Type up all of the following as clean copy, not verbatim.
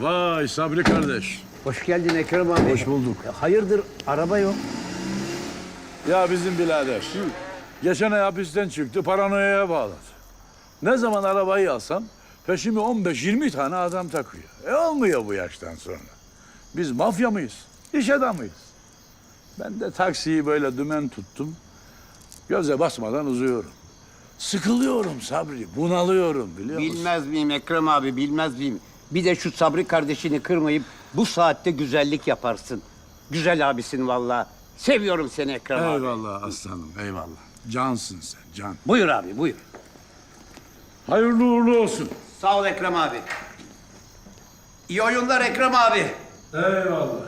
Vay Sabri kardeş. Hoş geldin Ekrem abi. Hoş bulduk. Hayırdır araba yok? Ya bizim birader. Geçen ay hapisten çıktı, paranoyaya bağladı. Ne zaman arabayı alsam peşimi 15-20 tane adam takıyor. Olmuyor bu yaştan sonra. Biz mafya mıyız? İş adamıyız. Ben de taksiyi böyle dümen tuttum. Göze basmadan uzuyorum. Sıkılıyorum Sabri, bunalıyorum biliyor musun? Bilmez miyim Ekrem abi, bilmez miyim? Bir de şu Sabri kardeşini kırmayıp bu saatte güzellik yaparsın. Güzel abisin vallahi. Seviyorum seni Ekrem abi. Eyvallah aslanım, eyvallah. Cansın sen, can. Buyur abi, buyur. Hayırlı uğurlu olsun. Sağ ol Ekrem abi. İyi oyunlar Ekrem abi. Eyvallah.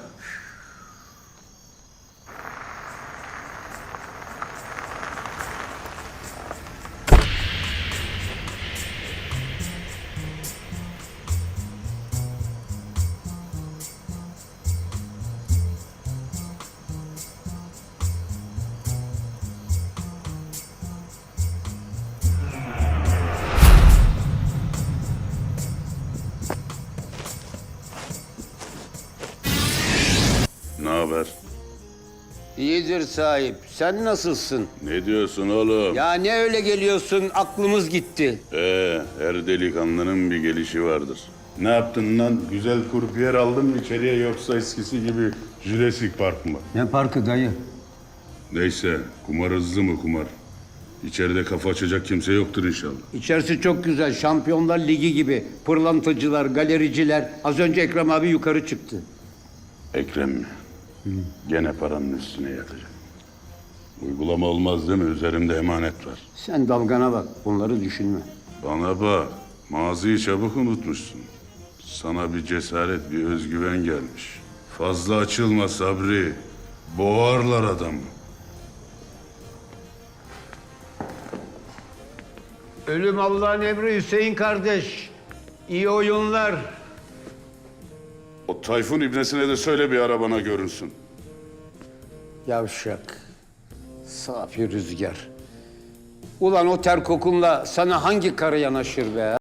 Ne haber? İyidir sahip. Sen nasılsın? Ne diyorsun oğlum? Ya ne öyle geliyorsun? Aklımız gitti. Her delikanlının bir gelişi vardır. Ne yaptın lan? Güzel kurpiyer aldın mı içeriye yoksa eskisi gibi Jurassic Park mı? Ne parkı dayı? Neyse, kumar hızlı mı kumar? İçeride kafa açacak kimse yoktur inşallah. İçerisi çok güzel. Şampiyonlar Ligi gibi. Pırlantacılar, galericiler. Az önce Ekrem abi yukarı çıktı. Ekrem mi? Gene paranın üstüne yatacak. Uygulama olmaz değil mi? Üzerimde emanet var. Sen dalgana bak. Bunları düşünme. Bana bak, maziyi çabuk unutmuşsun. Sana bir cesaret, bir özgüven gelmiş. Fazla açılma Sabri. Boğarlar adamı. Ölüm Allah'ın emri Hüseyin kardeş. İyi oyunlar. O Tayfun ibnesine de söyle bir arabana görünsün. Yavşak. Safi rüzgar. Ulan o ter kokunla sana hangi karı yanaşır be?